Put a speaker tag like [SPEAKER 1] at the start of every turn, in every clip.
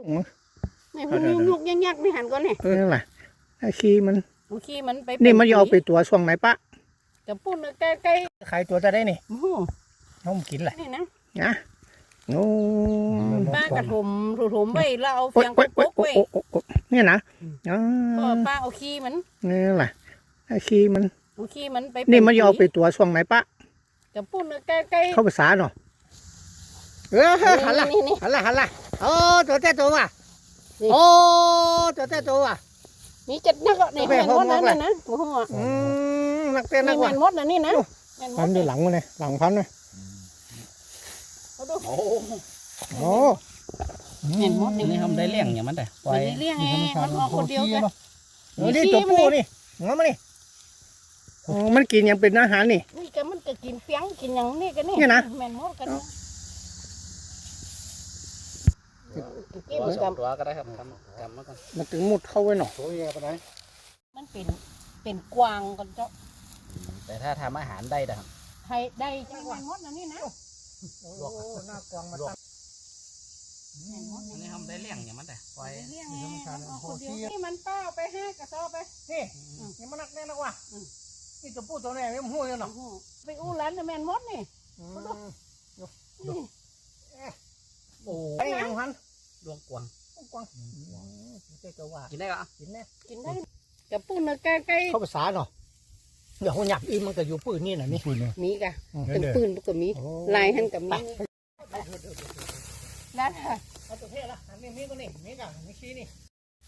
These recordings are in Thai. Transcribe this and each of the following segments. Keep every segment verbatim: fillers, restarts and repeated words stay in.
[SPEAKER 1] นี่พวกยุกยักยักนี่หันก่อนเนี่ย
[SPEAKER 2] เออนั่นแหละไอ้ขี้มัน
[SPEAKER 1] ขี้มันไป
[SPEAKER 2] นี่มันจะเอาไปตัวช่วงไหนปะ
[SPEAKER 1] จะพูดใกล้ใกล้
[SPEAKER 2] ขายตัวจะได้นี่
[SPEAKER 1] โอ้โห
[SPEAKER 2] น้องกินแหละ
[SPEAKER 1] นี่นะ
[SPEAKER 2] นะโอ้
[SPEAKER 1] ป้ากระถมถมไว้แล้วเอาเฟียงกบไว้
[SPEAKER 2] เนี่ยนะ
[SPEAKER 1] ก็ป้าเอาขี้มัน
[SPEAKER 2] นี่แหละไอ้ขี้มัน
[SPEAKER 1] ขี้มันไป
[SPEAKER 2] นี่มันจะเอาไปตัวช่วงไหนปะ
[SPEAKER 1] จะพูดใกล้ใกล้
[SPEAKER 2] เข้าภาษาเนาะเออหันละหันละหันละโอ้ตัวแต่ตัวว่ะโอ้ตัวแต่ตัวว่ะ
[SPEAKER 1] มีจัดนักก็ในแมนมดนั่นนะโอ้โห
[SPEAKER 2] อืมนักเต้นนักว่ะ
[SPEAKER 1] แมนมดนั่นนี่นะ
[SPEAKER 2] พันด้วยหลังมันเลยหลังพันเลย
[SPEAKER 1] โอ้โห
[SPEAKER 2] โอ้
[SPEAKER 1] แมนมด
[SPEAKER 3] นี่ทำได้เลี้ยงอย่างมันแต่
[SPEAKER 1] ปล่อยเลี้ยงไงมันออกคนเดียวกัน
[SPEAKER 2] นี่ตัวผู้นี่งั้นมานี่มันกินยังเป็นอาหารนี่
[SPEAKER 1] นี่ก็มันก็กินเฟี้ยงกินอย่างนี้กันนี่
[SPEAKER 2] นะ
[SPEAKER 1] แมนมดกัน
[SPEAKER 3] กินกับตัวก็ได้ครับกำกำมาก่อน
[SPEAKER 2] มันถึงมุดเข้าไว้หน่อย
[SPEAKER 1] มันเป็นเป็นกวางกันเจ้า
[SPEAKER 3] แต่ถ้าทำอาหารได้นะครับ
[SPEAKER 1] ให้ได้จังหวะมดนะนี่นะ
[SPEAKER 2] ลวกหน้ากวางมาตั้ง
[SPEAKER 3] นี่ทำได้เลี้ยงอย่างมันแต่ปล่อย
[SPEAKER 1] เลี้ยงไงมันออกคนเดียวนี่มันเป้าไปห้ากระสอบไป
[SPEAKER 2] นี่นี่มันนักแน่นักว่ะนี่ตัวผู้ตัวแม่ไม่หู้ยังหรอ
[SPEAKER 1] ไปอู้ร้านแมนมดนี่
[SPEAKER 2] โอ้ยยังพัน
[SPEAKER 3] ลวกกวาง
[SPEAKER 2] กวาง
[SPEAKER 3] กินได้ก็
[SPEAKER 1] กินได้กินได้กับปูนใกล้ใกล้
[SPEAKER 2] เข้าภาษาเนาะเดี๋ยวเขาหยับอีมันก็อยู่ปืนนี่นะนี่ปืน
[SPEAKER 1] มีกะเป็นปืนก็มีลายหันกับมีนั่นค่ะ
[SPEAKER 2] เอาตัวเท่ละอันนี้มีก็นี่มีกันมีชี้นี่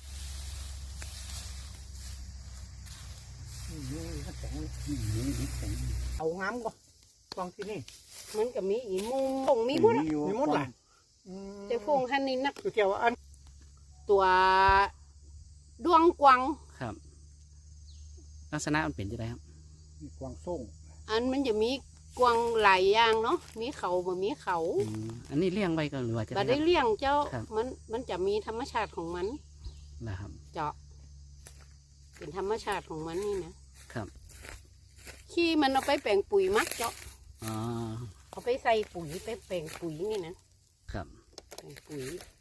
[SPEAKER 2] เอางามก็กองที่นี่
[SPEAKER 1] มันก็มีอีมุงฟงมีมุด
[SPEAKER 2] มีมุดแหละ
[SPEAKER 1] จะฟงหันนี่นัก
[SPEAKER 2] ตัวเกี่ยวอัน
[SPEAKER 1] ตัวดวงกวาง
[SPEAKER 3] ครับลักษณะมันเป็นยังไงครับ
[SPEAKER 2] กวางส่ง
[SPEAKER 1] อันมันจะมีกวางหลายอย่างเนาะมีเขาบ่มีเขา
[SPEAKER 3] อันนี้เลี้ยงไว้ก็หรือว่าจะ
[SPEAKER 1] บ่ได้เลี้ยงเจ้ามันมันจะมีธรรมชาติของมัน
[SPEAKER 3] นะครับ
[SPEAKER 1] เจาะเป็นธรรมชาติของมันนี่นะครับขี้มันเอาไปแปลงปุ๋ยมักเจาะ
[SPEAKER 3] อ๋อ
[SPEAKER 1] เอาไปใส่ปุ๋ยไปแปลงปุ๋ยนี่นะครับแปลงปุ๋ย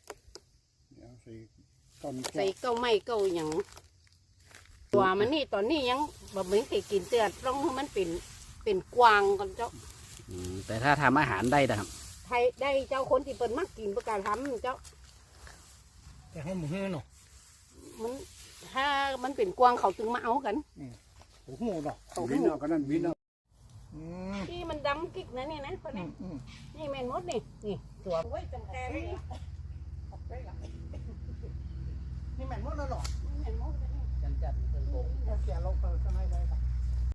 [SPEAKER 1] ใส่เก้าไม้เก้าอย่างตัวมันนี่ตอนนี้ยังแบบเหมือนเคยกินเตือดต้องให้มันเป็นเป็นกวางกันเจ้า
[SPEAKER 3] แต่ถ้าทำอาหารได้นะครับ
[SPEAKER 1] ไทยได้เจ้าคนที่เปิดมักกินประกาศทำเจ้า
[SPEAKER 2] แต่ให้หมูเฮือเนาะ
[SPEAKER 1] มันถ้ามันเป็นกวางเขาจึงมาเอากัน
[SPEAKER 2] โอ้โหเนาะเขาวินเอากันนั่นวินเอา
[SPEAKER 1] ที่มันดำกิ๊กนะนี่นะคนนี้นี่แมนมดนี่นี่ตัวไว้จังแกนี่